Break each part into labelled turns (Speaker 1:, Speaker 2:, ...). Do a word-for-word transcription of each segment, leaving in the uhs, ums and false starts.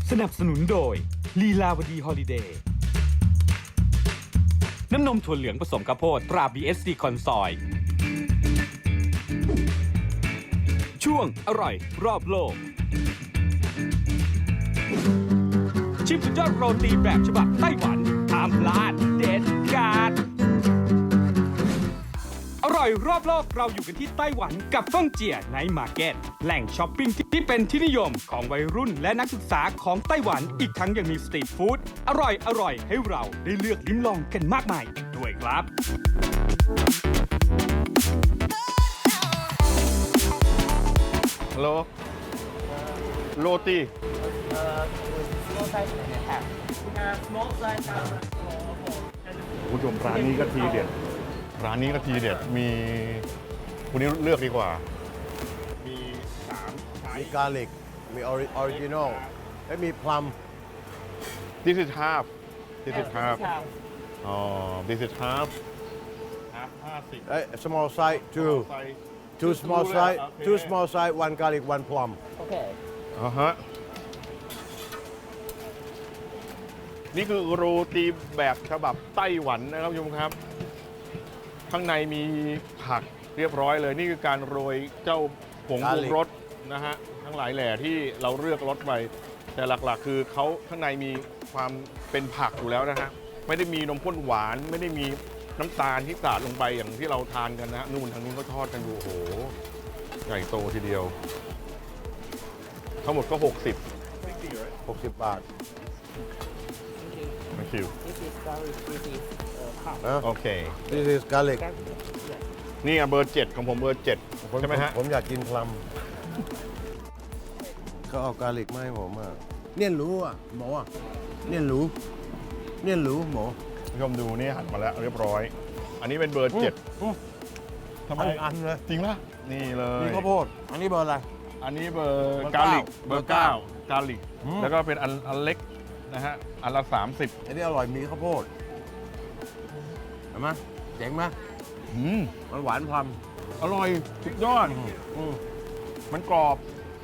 Speaker 1: สนับสนุนโดยลีลาวดีฮอลิเดย์น้ำนมถั่วเหลืองผสมข้าวโพดตรา บี เอส ซี คอนซอย ช่วงอร่อยรอบโลก ชิมสุดยอดโรตีแบบฉบับไต้หวันห้ามพลาดเด็ดขาดอร่อยรอบโลกเราอยู่กันที่ไต้หวันกับฟ่งเจียไนท์มาร์เก็ตแหล่งช้อปปิ้งที่เป็นที่นิยมของวัยรุ่นและนักศึกษาของไต้หวันอีกทั้งยังมีสตรีทฟู้ดอร่อยอร่อยให้เราได้เลือกลิ้มลองกันมากมายอีกด้วยครับ
Speaker 2: ฮัลโหลโรตี
Speaker 3: Uh, small size and a half. Uh, small size and a small.
Speaker 2: คุณผู้ชมร้านนี้ก็ทีเด็ด ร้านนี้ก็ทีเด็ด มีคุณนี้เลือกดีกว่า มีสามไซ
Speaker 4: มี
Speaker 2: ส์
Speaker 4: กาลิก มีออริจินอลและมีพลัม
Speaker 2: This is half This is half
Speaker 3: half.
Speaker 2: อ๋อ This is half half ห้าสิบ
Speaker 4: เอ้ย small size two
Speaker 2: ไซส์
Speaker 4: two small size
Speaker 2: โอเค
Speaker 4: two small size one garlic one plum
Speaker 3: Okay.
Speaker 2: อ่าฮะ นี่คือโรตีแบบฉบับไต้หวันนะครับคุณผู้ชมครับ ข้างในมีผักเรียบร้อยเลย นี่คือการโรยเจ้าผงปรุงรสนะฮะ ทั้งหลายแหล่ที่เราเลือกรสไป แต่หลักๆ คือเขาข้างในมีความเป็นผักอยู่แล้วนะฮะ ไม่ได้มีนมข้นหวาน ไม่ได้มีน้ำตาลที่สาดลงไปอย่างที่เราทานกันนะนู่นทางนู้นก็ทอดกันอยู่โอ้โห ใหญ่โตทีเดียว ทั้งหมดก็ หกสิบ
Speaker 4: หกสิบบาท
Speaker 2: Thank you
Speaker 3: This is garlic. This is uh, palm.
Speaker 4: นะ
Speaker 2: โอเค
Speaker 4: this is garlic
Speaker 3: Garlic. Yes.
Speaker 2: นี่อ่ะเบอร์เจ็ดของผมเบอร์เจ็ด
Speaker 4: ผม
Speaker 2: ใช่ไหมฮะ
Speaker 4: ผมอยากกินพลัมเขาเอากาลิกมาให้ผมอ่ะเนี่ยรู้อ่ะหมออ่ะเนี่ยรู้เนี่ยรู้หมอ
Speaker 2: คุณผู้ชมดูนี่หันมาแล้วเรียบร้อย อันนี้เป็นเบอร์เจ็ด
Speaker 4: อืม
Speaker 2: ทำไม
Speaker 4: อันอันเลย
Speaker 2: จริงป่ะนี่เลย
Speaker 4: มีข้าวโพดอันนี้เบอร์อะไร
Speaker 2: อันนี้เบอร์
Speaker 4: เบอร์
Speaker 2: กา
Speaker 4: เก้า
Speaker 2: ลิกเบอร์เก้ากาลิก
Speaker 4: อืม
Speaker 2: แล้วก็เป็นอันอันเล็กนะฮะ อันละสามสิบ
Speaker 4: อันนี้อร่อยมีข้าวโพดเห็นไหมเจ๋งไหม
Speaker 2: อืม
Speaker 4: มันหวานพลัม
Speaker 2: อร่อยสุดยอด
Speaker 4: อืม
Speaker 2: มันกรอบ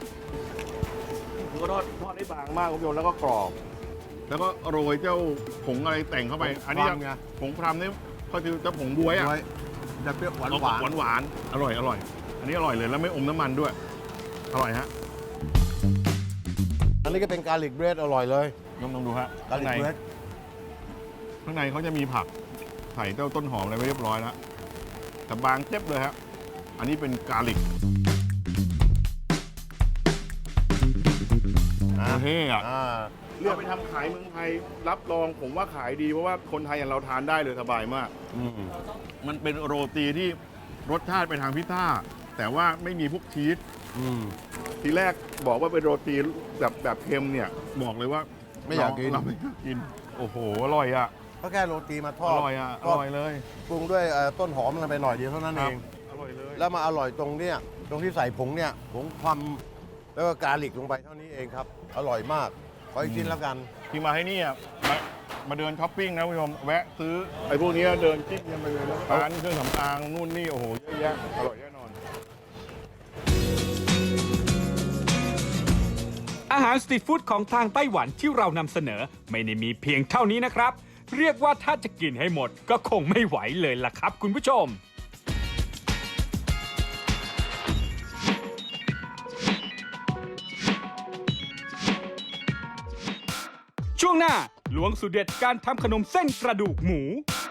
Speaker 2: ก็ทอดทอดได้บางมากคุณผู้ชมแล้วก็กรอบ แล้วก็โรยเจ้าผงอะไรแต่งเข้าไป อันนี้
Speaker 4: พลัมไง
Speaker 2: ผงพรำนี่ก็คือเจ้าผงบวยอ่ะ
Speaker 4: ไว้จะเปรี้ยวหวาน
Speaker 2: ออก
Speaker 4: หวาน
Speaker 2: หวานหวานๆอร่อยอร่อย อันนี้อร่อยเลยแล้วไม่อมน้ำมันด้วย อร่อยฮะ
Speaker 4: อันนี้ก็เป็นกาลิกเบรดอร่อยเลย
Speaker 2: ลองลองดูฮะ
Speaker 4: กา
Speaker 2: ข้าง
Speaker 4: ลิก
Speaker 2: ใน
Speaker 4: เบรด
Speaker 2: ข้างในเขาจะมีผักใส่เจ้าต้นหอมอะไรไว้เรียบร้อยแล้วแต่บางเจ็บเลยฮะอันนี้เป็นกาลิก
Speaker 4: นะ
Speaker 2: เท่อะ
Speaker 4: อ่า
Speaker 2: เลือกไปทำขายเมืองไทยรับรองผมว่าขายดีเพราะว่าคนไทยอย่างเราทานได้เลยสบายมาก
Speaker 4: อืม
Speaker 2: มันเป็นโรตีที่รสชาติไปทางพิซซ่าแต่ว่าไม่มีพวกชีส
Speaker 4: อืม
Speaker 2: ทีแรกบอกว่าเป็นโรตีแบบแบบเค็มเนี่ยบอกเลยว่า
Speaker 4: ไม่อยากกิน
Speaker 2: เรไม่อยากกิน โอ้โหอร่อยอ่ะ
Speaker 4: ก็แค่โรตีมาทอ
Speaker 2: อ
Speaker 4: ด
Speaker 2: ร่อยอ่ะอ
Speaker 4: ทอด
Speaker 2: ร่อยเลย
Speaker 4: ปรุงด้วยเอ่อต้นหอมลงไปหน่อยเดียวเท่านั้น
Speaker 2: ค
Speaker 4: เอ
Speaker 2: รับ
Speaker 4: ง
Speaker 2: อร่อยเลย
Speaker 4: แล้วมาอร่อยตรงเนี้ยตรงที่ใส่ผงเนี่ยผงความแล้วก็กาลิกลงไปเท่านี้เองครับ อร่อยมาก ขออีกชิ้นแล้วกัน
Speaker 2: ที่มาให้นี่อ่ะมามาเดินช้อปปิ้งนะคุณผู้ชมแวะซื้อไอ้พวกเนี้ยเดินจิ้มกันไปเลยนะร้านเครื่องสำอางนู่นนี่โอ้โหเยอะแยะอร่อยแน่นอน
Speaker 1: อาหารสตรีทฟู้ดของทางไต้หวันที่เรานำเสนอไม่ได้มีเพียงเท่านี้นะครับ เรียกว่าถ้าจะกินให้หมดก็คงไม่ไหวเลยล่ะครับคุณผู้ชม ช่วงหน้าล้วงสูตรเด็ดการทำขนมเส้นกระดูกหมู